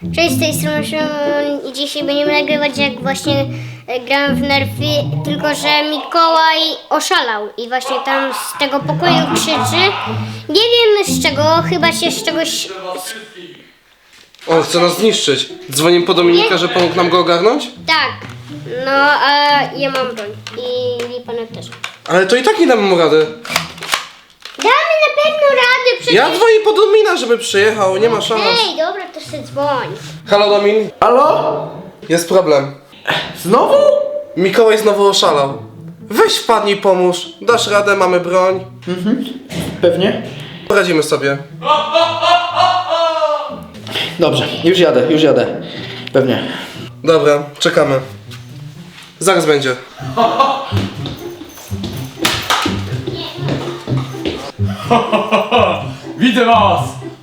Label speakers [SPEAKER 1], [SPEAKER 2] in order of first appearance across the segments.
[SPEAKER 1] Cześć, z tej strony Szymon i dzisiaj będziemy nagrywać, jak właśnie grałem w Nerfy, tylko że Mikołaj oszalał i właśnie tam z tego pokoju krzyczy. Nie wiem z czego, chyba się z czegoś...
[SPEAKER 2] On chce nas zniszczyć. Dzwonimy po Dominika, że pomógł nam go ogarnąć?
[SPEAKER 1] Tak, no a ja mam broń i Lipanek też.
[SPEAKER 2] Ale to i tak nie damy mu rady.
[SPEAKER 1] Damy na pewno radę przecież...
[SPEAKER 2] Ja dzwonię po Domina, żeby przyjechał, nie ma szans.
[SPEAKER 1] Ej, dobra, to się dzwoń.
[SPEAKER 2] Halo Domin?
[SPEAKER 3] Halo?
[SPEAKER 2] Jest problem.
[SPEAKER 3] Znowu?
[SPEAKER 2] Mikołaj znowu oszalał. Weź wpadnij, pomóż. Dasz radę, mamy broń.
[SPEAKER 3] Pewnie.
[SPEAKER 2] Poradzimy sobie.
[SPEAKER 3] Dobrze, już jadę. Pewnie.
[SPEAKER 2] Dobra, czekamy. Zaraz będzie.
[SPEAKER 4] Widzę was!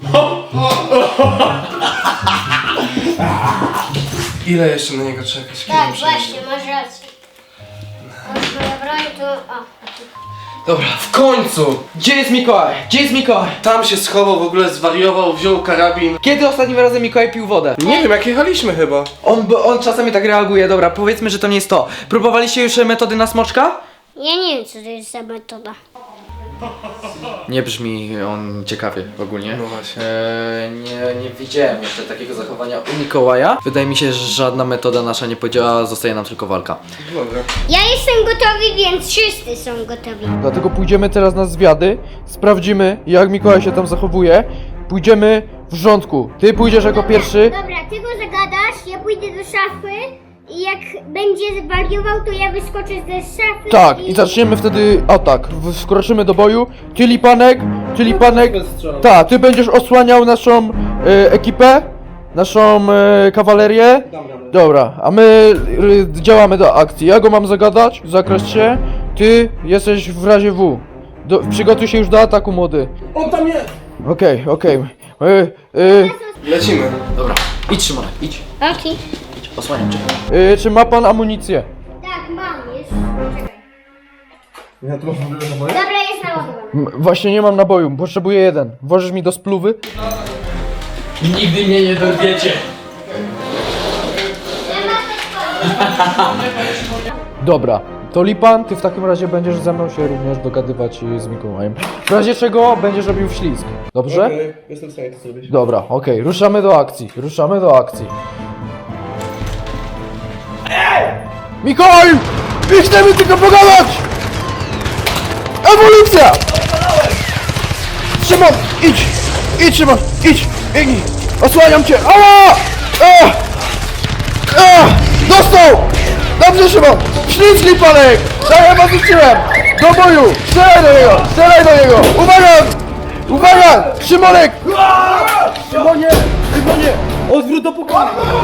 [SPEAKER 2] Ile jeszcze na niego czekać? Kiedy
[SPEAKER 1] Tak,
[SPEAKER 2] on przyjdzie?
[SPEAKER 1] właśnie, masz rację. Masz moja broń, to... O.
[SPEAKER 2] Dobra, w końcu!
[SPEAKER 3] Gdzie jest Mikołaj? Gdzie jest Mikołaj?
[SPEAKER 2] Tam się schował, w ogóle zwariował, wziął karabin.
[SPEAKER 3] Kiedy ostatnim razem Mikołaj pił wodę?
[SPEAKER 2] Nie wiem, jak jechaliśmy chyba.
[SPEAKER 3] On czasami tak reaguje, dobra, powiedzmy, że to nie jest to. Próbowaliście już metody na smoczka?
[SPEAKER 1] Ja nie wiem, co to jest za metoda.
[SPEAKER 3] Nie brzmi on ciekawie ogólnie.
[SPEAKER 2] No właśnie.
[SPEAKER 3] Nie widziałem jeszcze takiego zachowania u Mikołaja. Wydaje mi się, że żadna metoda nasza nie podziała, zostaje nam tylko walka.
[SPEAKER 2] Dobra.
[SPEAKER 1] Ja jestem gotowy, więc wszyscy są gotowi.
[SPEAKER 5] Dlatego pójdziemy teraz na zwiady, sprawdzimy jak Mikołaj się tam zachowuje. Pójdziemy w rządku. Ty pójdziesz jako pierwszy.
[SPEAKER 1] Dobra, ty go zagadasz, ja pójdę do szafy i jak będzie wariował, to ja wyskoczę ze szafy.
[SPEAKER 5] Tak, i zaczniemy wtedy atak. Wkroczymy do boju. Ty Lipanek. Tak, ty będziesz osłaniał naszą ekipę, naszą kawalerię. Dobra, a my działamy do akcji. Ja go mam zagadać, zakreśl się. Ty jesteś w razie W. Przygotuj się już do ataku, młody.
[SPEAKER 2] On tam jest!
[SPEAKER 5] Okej.
[SPEAKER 2] Lecimy.
[SPEAKER 3] Dobra, idź Szymon, idź.
[SPEAKER 1] Okej.
[SPEAKER 3] Osłaniam cię.
[SPEAKER 5] Czy ma pan amunicję?
[SPEAKER 1] Tak, mam, jest. Czekaj.
[SPEAKER 2] Ja tu mam
[SPEAKER 1] Dobra, jest naładowany.
[SPEAKER 5] Właśnie nie mam naboju, potrzebuję jeden. Włożysz mi do spluwy?
[SPEAKER 4] Nigdy mnie nie dorwiecie!
[SPEAKER 5] Dobra. To Lipan, ty w takim razie będziesz ze mną się również dogadywać z Mikołajem. W razie czego będziesz robił ślizg. Dobrze?
[SPEAKER 2] Okej, jestem w stanie to zrobić.
[SPEAKER 5] Dobra, okej. Ruszamy do akcji. Mikołaj! My chcemy tylko pogadać! Ewolucja! Szymon, idź! Idź Szymon, idź! Biegnij! Osłaniam cię! Ała! Dostał! Dobrze Szymon! Ślizg Lipanek! Tak ja was uczyłem! Do boju! Strzelaj do niego! Uwaga! Szymonek! Szymonie! Odwrót do pokoju!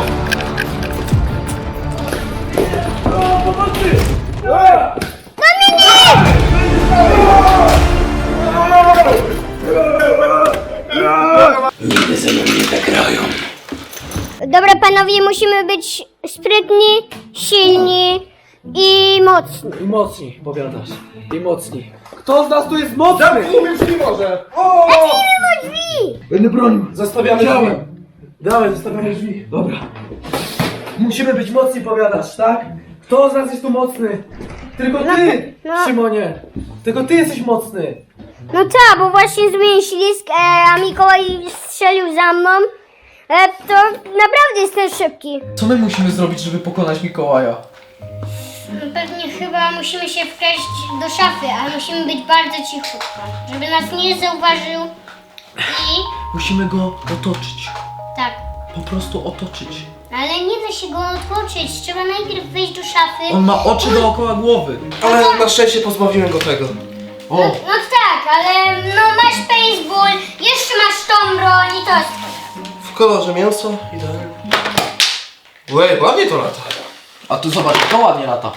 [SPEAKER 4] Nigdy ze mną nie tak grają.
[SPEAKER 1] Dobra, panowie, musimy być sprytni, silni i mocni.
[SPEAKER 3] I mocni, powiadasz. I mocni. Kto z nas tu jest mocny?
[SPEAKER 2] Już nie może!
[SPEAKER 1] Otwórzmy drzwi!
[SPEAKER 3] Będę bronił.
[SPEAKER 2] Zostawiamy drzwi.
[SPEAKER 3] Dawaj, zostawiamy drzwi. Dobra. Musimy być mocni, powiadasz, tak? Kto z nas jest tu mocny? Tylko ty,
[SPEAKER 1] no.
[SPEAKER 3] Szymonie. Tylko ty jesteś mocny.
[SPEAKER 1] No tak, bo właśnie zrobiłem ślizg, a Mikołaj strzelił za mną. To naprawdę jestem szybki.
[SPEAKER 3] Co my musimy zrobić, żeby pokonać Mikołaja?
[SPEAKER 1] Pewnie chyba musimy się wkraść do szafy, ale musimy być bardzo cichutko, żeby nas nie zauważył i...
[SPEAKER 3] Musimy go otoczyć.
[SPEAKER 1] Tak.
[SPEAKER 3] Po prostu otoczyć.
[SPEAKER 1] Ale nie da się go otworzyć, trzeba najpierw wejść do szafy.
[SPEAKER 3] On ma oczy dookoła głowy.
[SPEAKER 2] Ale na szczęście pozbawiłem go tego.
[SPEAKER 3] O!
[SPEAKER 1] No tak, ale no masz baseball, jeszcze masz tą broń i to jest twoje.
[SPEAKER 2] W kolorze mięso, idealnie. Łej, ładnie to lata.
[SPEAKER 3] A tu zobacz, to ładnie lata.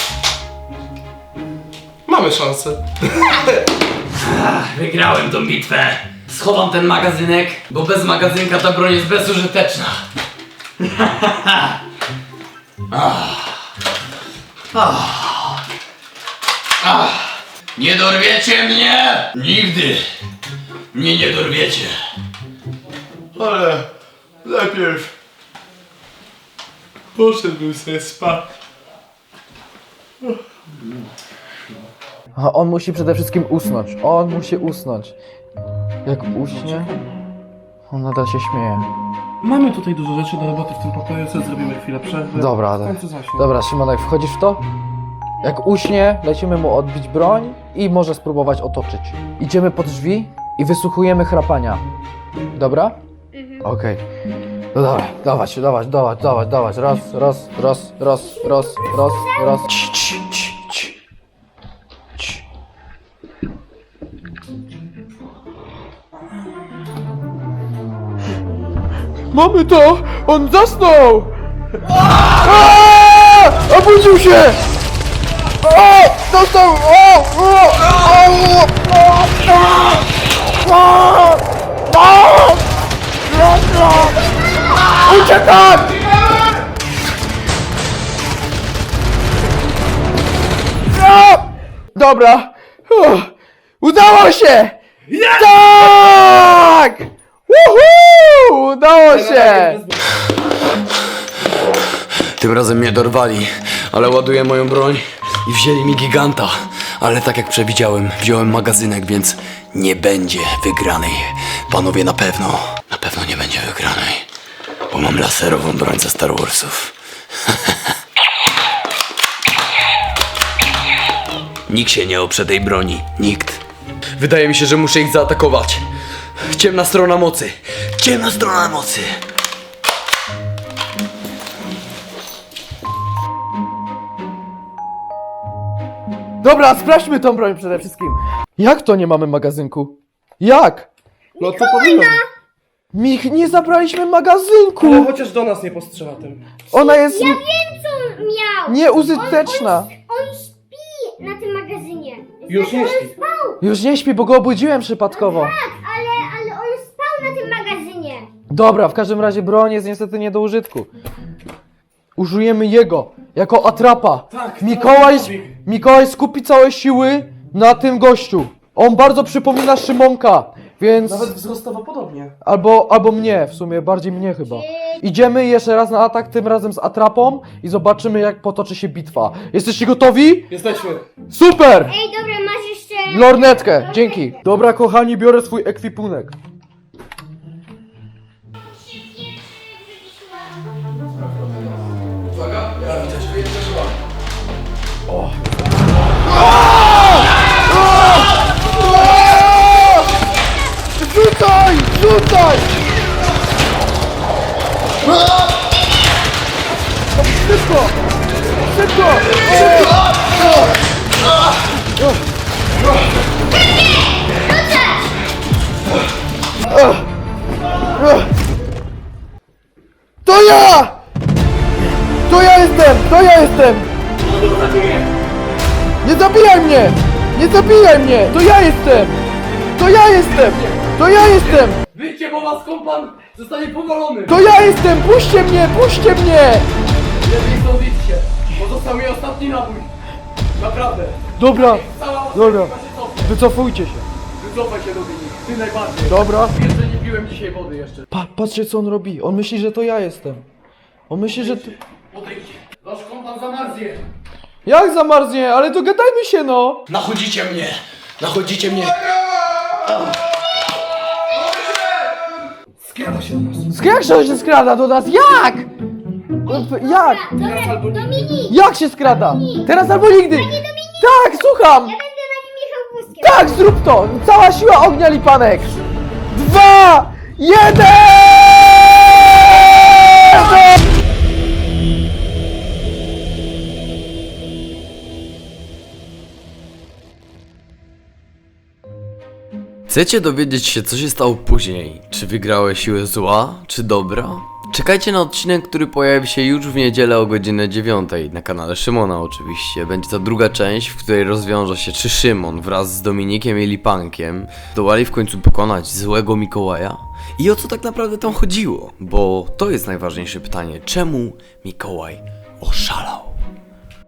[SPEAKER 2] Mamy szansę.
[SPEAKER 4] Wygrałem tą bitwę. Schowam ten magazynek, bo bez magazynka ta broń jest bezużyteczna. Nie dorwiecie mnie! Nigdy! Mnie nie dorwiecie.
[SPEAKER 6] Ale najpierw
[SPEAKER 2] Poszedłbym sobie spać.
[SPEAKER 5] A on musi przede wszystkim usnąć. On musi usnąć. Jak uśnie, on nadal się śmieje.
[SPEAKER 2] Mamy tutaj dużo rzeczy do roboty w tym pokoju, co zrobimy chwilę przerwy.
[SPEAKER 5] Dobra,
[SPEAKER 2] W
[SPEAKER 5] ale...
[SPEAKER 2] końcu zaśnie.
[SPEAKER 5] Dobra, Szymonek, wchodzisz w to? Jak uśnie, lecimy mu odbić broń i może spróbować otoczyć. Idziemy pod drzwi i wysłuchujemy chrapania. Dobra? Okej. No dobra, dawać. Raz. Cii. Mamy to! On zasnął! Obudził się! Dostał! Uciekaj! Dobra! Udało się! Tak! Woohoo! Udało się!
[SPEAKER 4] Tym razem mnie dorwali, ale ładuję moją broń i wzięli mi giganta. Ale tak jak przewidziałem, wziąłem magazynek, więc nie będzie wygranej. Panowie, na pewno nie będzie wygranej. Bo mam laserową broń ze Star Warsów. Nikt się nie oprze tej broni. Nikt. Wydaje mi się, że muszę ich zaatakować. Ciemna strona mocy. Ciemna strona mocy.
[SPEAKER 5] Dobra, sprawdźmy tą broń przede wszystkim. Jak to nie mamy magazynku? Jak?
[SPEAKER 2] No to powinno.
[SPEAKER 5] Nie zabraliśmy magazynku!
[SPEAKER 2] Ale chociaż do nas nie postrzela tym.
[SPEAKER 5] Ona jest
[SPEAKER 1] Ja wiem, co miał!
[SPEAKER 5] nieużyteczna.
[SPEAKER 1] On śpi na tym magazynie.
[SPEAKER 2] Już nie śpi.
[SPEAKER 1] On spał!
[SPEAKER 5] Już nie śpi, bo go obudziłem przypadkowo.
[SPEAKER 1] Tak, ale on spał na tym magazynie.
[SPEAKER 5] Dobra, w każdym razie broń jest niestety nie do użytku. Użyjemy jego jako atrapa.
[SPEAKER 2] Tak,
[SPEAKER 5] Mikołaj skupi całe siły na tym gościu. On bardzo przypomina Szymonka, więc...
[SPEAKER 2] Nawet wzrostowo podobnie.
[SPEAKER 5] Albo mnie, w sumie bardziej mnie chyba. Idziemy jeszcze raz na atak, tym razem z atrapą i zobaczymy, jak potoczy się bitwa. Jesteście gotowi?
[SPEAKER 2] Jesteśmy.
[SPEAKER 5] Super!
[SPEAKER 1] Ej, dobra, masz jeszcze...
[SPEAKER 5] Lornetkę, dzięki. Dobra, kochani, biorę swój ekwipunek. Rzucaj! Rzucaj! Szybko! Szybko! To ja! To ja jestem! To ja jestem! Nie zabijaj mnie! Nie zabijaj mnie! To ja jestem! To ja jestem! To ja jestem!
[SPEAKER 4] Wyjdźcie, bo was kompan zostanie powalony!
[SPEAKER 5] To ja jestem! Puśćcie mnie! Puśćcie mnie!
[SPEAKER 4] Lepiej stąd idźcie, bo został mi ostatni nabój. Naprawdę.
[SPEAKER 5] Dobra,
[SPEAKER 4] Cała
[SPEAKER 5] dobra.
[SPEAKER 4] was się cofnie.
[SPEAKER 5] Wycofujcie się.
[SPEAKER 4] Wycofaj się, Dominik. Ty najbardziej.
[SPEAKER 5] Dobra.
[SPEAKER 4] Jeszcze nie piłem dzisiaj wody jeszcze.
[SPEAKER 5] Patrzcie co on robi. On myśli, że to ja jestem. On myśli, że...
[SPEAKER 4] Odejdź. Wasz kompan zamarznie.
[SPEAKER 5] Jak zamarznie? Ale dogadajmy się no!
[SPEAKER 4] Nachodzicie mnie. Nachodzicie mnie.
[SPEAKER 2] Skrada się do nas.
[SPEAKER 5] Jak się skrada do nas? Jak? Jak?
[SPEAKER 1] Dobra, Dominik!
[SPEAKER 5] Jak się skrada? Teraz albo nigdy! Tak, słucham!
[SPEAKER 1] Ja będę na nim jechał wózkiem.
[SPEAKER 5] Tak, zrób to! Cała siła ognia, Lipanek! 2, 1!
[SPEAKER 4] Chcecie dowiedzieć się, co się stało później? Czy wygrały siły zła, czy dobra? Czekajcie na odcinek, który pojawi się już w niedzielę o godzinie 9 na kanale Szymona oczywiście. Będzie to druga część, w której rozwiąże się, czy Szymon wraz z Dominikiem i Lipankiem zdołali w końcu pokonać złego Mikołaja? I o co tak naprawdę tam chodziło? Bo to jest najważniejsze pytanie. Czemu Mikołaj oszalał?